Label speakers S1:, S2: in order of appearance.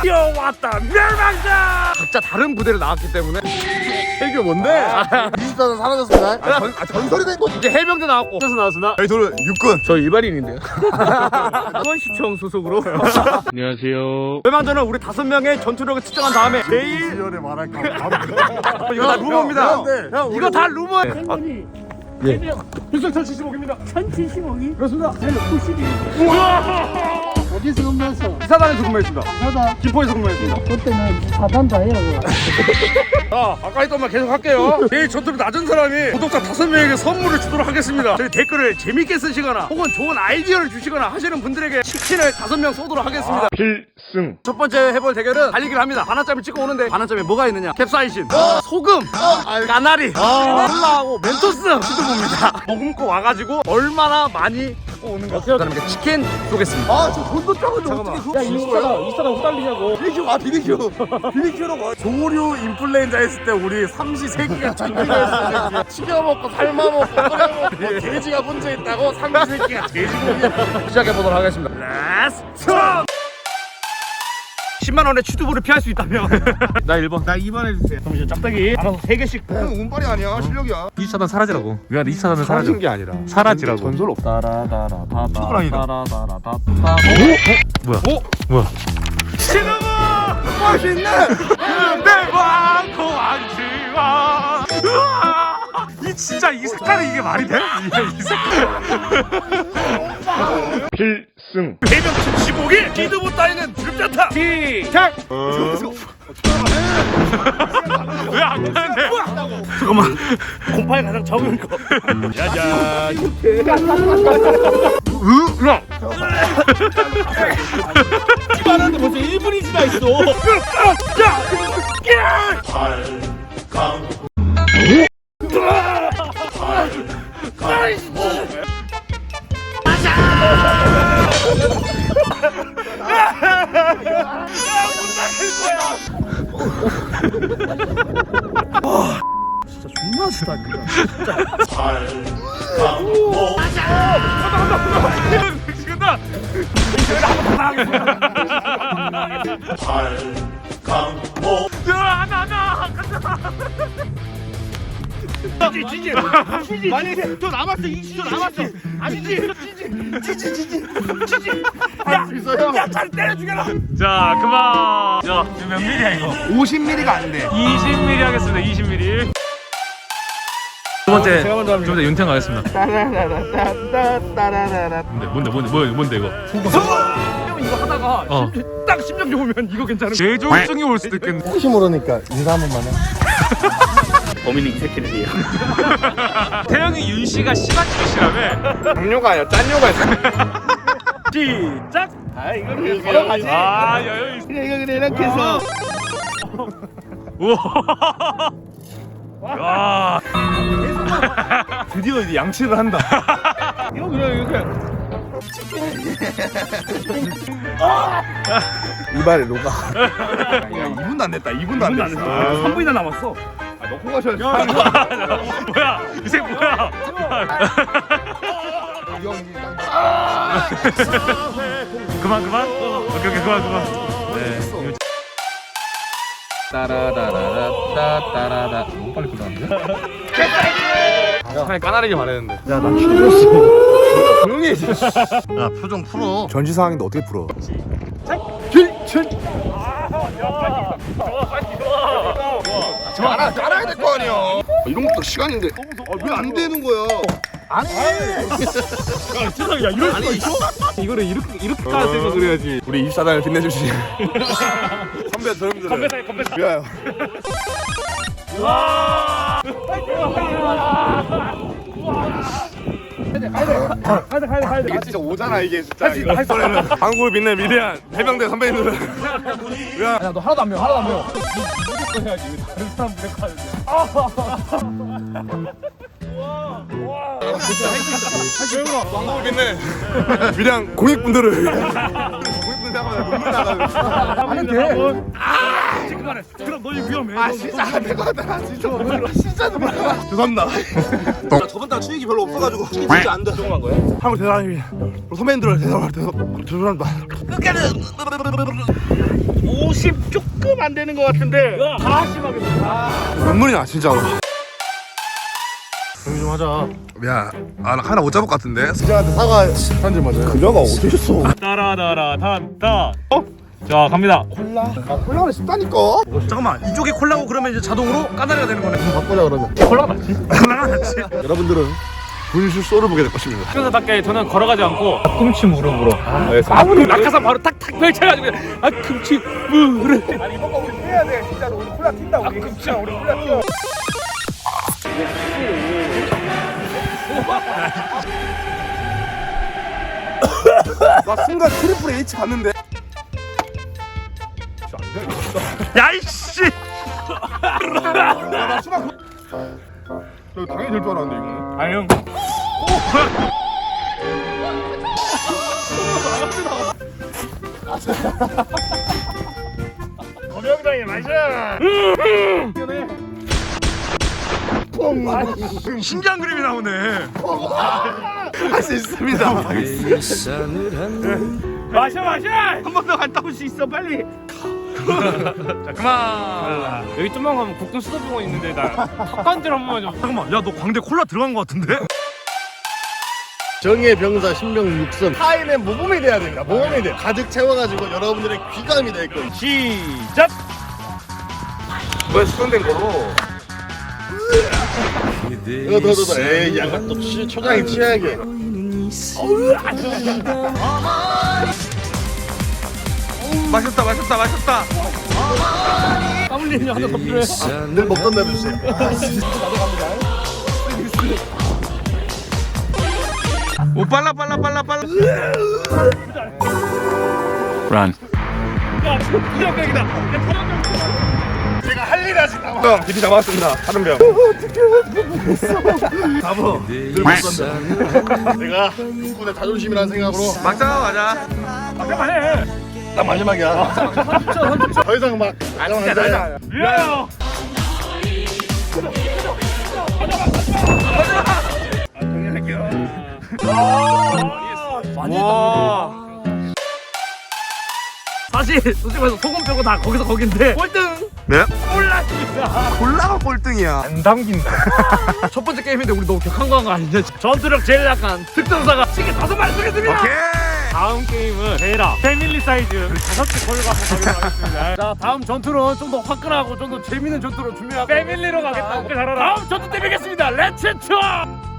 S1: 뛰어왔다 멸망자. 각자 다른 부대를 나왔기 때문에
S2: 해교 뭔데? 24는 사라졌습니다. 전설이 된 거지.
S1: 이제 해병대 나왔고 그래서 나왔으나
S2: 저희 둘은 육군.
S1: 저 일반인인데요. 수원시청 소속으로. 안녕하세요. 멸망전은 우리 5명의 전투력을 측정한 다음에 제일
S2: 시절에 말할까?
S1: 이거 다 루머입니다. 이거 다 루머.
S3: 행운이
S1: 예. 필승 1075입니다.
S3: 1075기
S1: 그렇습니다.
S3: 저는 92. 어디서 근무했어?
S1: 이사단에서 근무했습니다.
S3: 사다.
S1: 김포에서 근무했습니다.
S3: 그때는 사단도 해요.
S1: 자, 아까 했던 말 계속 할게요. 제일 전투력 낮은 사람이 구독자 5명에게 선물을 주도록 하겠습니다. 저희 댓글을 재밌게 쓰시거나 혹은 좋은 아이디어를 주시거나 하시는 분들에게 치킨을 5명 쏘도록 하겠습니다.
S2: 필승.
S1: 첫 번째 해볼 대결은 달리기를 합니다. 반환점을 찍고 오는데 반환점에 뭐가 있느냐? 캡사이신, 소금, 까나리, 콜라하고 멘토스 시도봅니다. 머금고 와가지고 얼마나 많이 갖고 오는 거. 그다음에 치킨 쏘겠습니다.
S2: 아, 저 돈도 작은데 어떻게
S1: 야, 이사가 후달리냐고.
S2: 비비큐, 비비큐. 비비큐로 가. 조류 인플루엔자 했을 때 우리 삼시세끼가 전기가 튀겨먹고 삶아먹고 끓여먹고 돼지가 문제 있다고 삼시세끼가 돼지고기.
S1: 시작해보도록 하겠습니다. 렛츠 고! 10만원의 취두부를 피할 수 있다면 나 1번.
S2: 나 2번 해주세요.
S1: 그럼 이제 짝대기 알아서 3개씩.
S2: 운빨이 아니야, 실력이야.
S4: 2차단 사라지라고. 미안해, 2차단은 사라져.
S2: 게 아니라
S4: 사라지라고.
S2: 전설 없다.
S4: 초그랑이다. 뭐야?
S1: 오!
S4: 뭐야?
S1: 취두부!
S2: 맛있네.
S1: 내와 고안지와
S4: 이 진짜 이 색깔이 이게 말이 돼? 이 색깔.
S2: 필승.
S1: 해병 75기 취두부 따위는 두렵지 않다. 시작!
S4: 왜 안 가는데?
S1: 잠깐만. 곰팡이 가장 적은 거. 짜잔. 야! 이만한데 벌써 1분이 지나 있어. 진짜 존나 쓰다니까.
S4: 미치겠다.
S1: 지지. 많이 저 남았어. 20초 남았어. 아니지. 지지. 야, 잘 때려 죽여라.
S4: 자, 그만. 자, 지금 몇 밀이야 이거?
S2: 50mm가 안 돼.
S4: 20mm 하겠습니다. 20mm. 두 번째, 두 번째 윤태형 가겠습니다. 뭔데 이거?
S1: 형 이거 하다가
S4: 어.
S1: 딱 심장 좋으면 이거 괜찮은 거.
S4: 뇌졸중이 올 수도 있겠네.
S2: 혹시 모르니까 인사 한 번만 해.
S1: 범인은 이 새끼들이야.
S4: 태형이 윤 씨가 심한 짓이라며.
S2: 당뇨가 아니라 짠뇨가 있어.
S1: 시작. 아 이거
S2: 걸어가지.
S4: 아, 여유 있어.
S2: 그래 이렇게 해서.
S4: 우와. 야.
S2: 드디어 이제 양치를 한다.
S1: 이거 그냥 이렇게.
S2: 이발에 녹아. 야, 2분도 안 됐다. 2분도 안 됐어.
S1: 3분이나 남았어.
S2: 놓고 가셔야지.
S4: 뭐야? 이 새 뭐야? 그만. 오케이, 그만. 네.
S2: 따라라라따따라라. 너무 빨리 끝났는데? 야, 까나리게 말했는데. 야, 나 죽었어. 조용히 해. 야, 표정 풀어. 전시 상황인데 어떻게 풀어? 알아야 될 거 아니야. 이런 것도 시간인데. 왜 안 되는 거야? 안 해.
S1: 세상에 야 이럴 수가 있어?
S4: 이거를 이렇게 까는 생각을 해야지.
S2: 우리 24단을 빛내주시. 선배 저놈들.
S1: 건배사.
S2: 미안해요.
S1: 가야 돼.
S2: 이게 진짜 오잖아 이게 진짜. 한국을 빛낸 위대한 해병대 선배님들.
S1: 야, 너 하나도 안 매워. 무조건 해야지. 왜 다른 사람 무력하는데.
S2: 한국을 빛낸 위대한 공익분들을. 공익분들 하면 눈물 나가요.
S1: 하면 돼. 그만해. 그럼 너희 위험해.
S2: 아 진짜 안 될 것 같다. 진짜 눈물. 진짜 눈물 나. 죄송합니다. 저번 달 수익이 별로 없어가지고 진짜 안 돼.
S1: 조금한 거야?
S2: 한국 대단히 선배님들 죄송합니다.
S1: 50
S2: 60 조금 안 되는 것 같은데.
S1: 다 심하게
S5: 눈물이 나 진짜로.
S2: 조용히 좀 하자.
S5: 야, 나 하나 못 잡을 것 같은데.
S2: 그자한테 사과 한줄 맞아요. 그자가 어디 있어?
S4: 따라따라 단다. 자 갑니다.
S2: 콜라를 쉽다니까.
S1: 잠깐만 이쪽이 콜라고 그러면 이제 자동으로 까나리가 되는 거네.
S2: 바꾸자 그러면.
S1: 콜라가 낫지? 콜라가 낫지?
S2: 여러분들은 분실 쏘를 보게 될 것입니다.
S4: 순서답게 저는 걸어가지 않고 앞꿈치 무릎으로. 아무리 낙하산 바로 탁탁 펼쳐가지고 앞꿈치 무릎.
S2: 아니 이번 거 우리 해야 돼. 진짜로 우리 콜라 튄다 우리. 진짜 우리 콜라 튀어.
S5: 나 순간 트리플 H 봤는데.
S1: 야이씨!
S2: 저 당연히 될 줄 알았는데 이거.
S4: 아 형.
S2: 검영장에 마셔.
S1: 신기한 그림이 나오네.
S5: 할 수 있습니다.
S4: 마셔.
S1: 한 번 더 갔다 올 수 있어 빨리. 자 그만.
S4: 여기 좀만 가면 국동 수도병원 있는데 나 턱관절 한 번만 좀.
S1: 잠깐만 야 너 광대 콜라 들어간 거 같은데?
S2: 정의 병사 신명 육선. 타인의 모범이 돼야 됩니다. 모범이 돼. 가득 채워가지고 여러분들의 귀감이 될 거예요.
S4: 시작.
S5: 왜 수정된 거로?
S2: 이거 더. 에이 약간 또 초장이 취하게.
S5: 마셨다.
S4: 땀 흘리는 하나 더 필요해.
S2: 늘 먹던 대로 주세요.
S5: 오 빨라.
S1: 란.
S4: 야 부정적이다.
S2: 제가 할 일이 아직 남아.
S5: 형, DP 잡았습니다. 다른 병.
S2: 늘 먹던 대로. 내가 국군의 자존심이라는 생각으로
S5: 막자.
S4: 잠깐만 해.
S2: 딱 마지막이야. 더 이상 막 가자.
S4: 미안해요.
S1: 사실 솔직히 말해서 소금 빼고 다 거기서 거긴데 꼴등
S5: 네?
S1: 콜라입니다.
S5: 콜라가 꼴등이야.
S4: 안 담긴다.
S1: 첫 번째 게임인데 우리 너무 격한 거 아니냐? 전투력 제일 약한 특전사가 치킨 5마리 쏘겠습니다.
S5: 오케이.
S4: 다음 게임은 베라 패밀리 사이즈 5개 걸고 가도록 하겠습니다.
S1: 자 다음 전투는 좀 더 화끈하고 좀 더 재밌는 전투로 준비하고
S4: 패밀리로 가겠다. 잘하라.
S1: 다음 전투 때 뵙겠습니다. 렛츠 투어.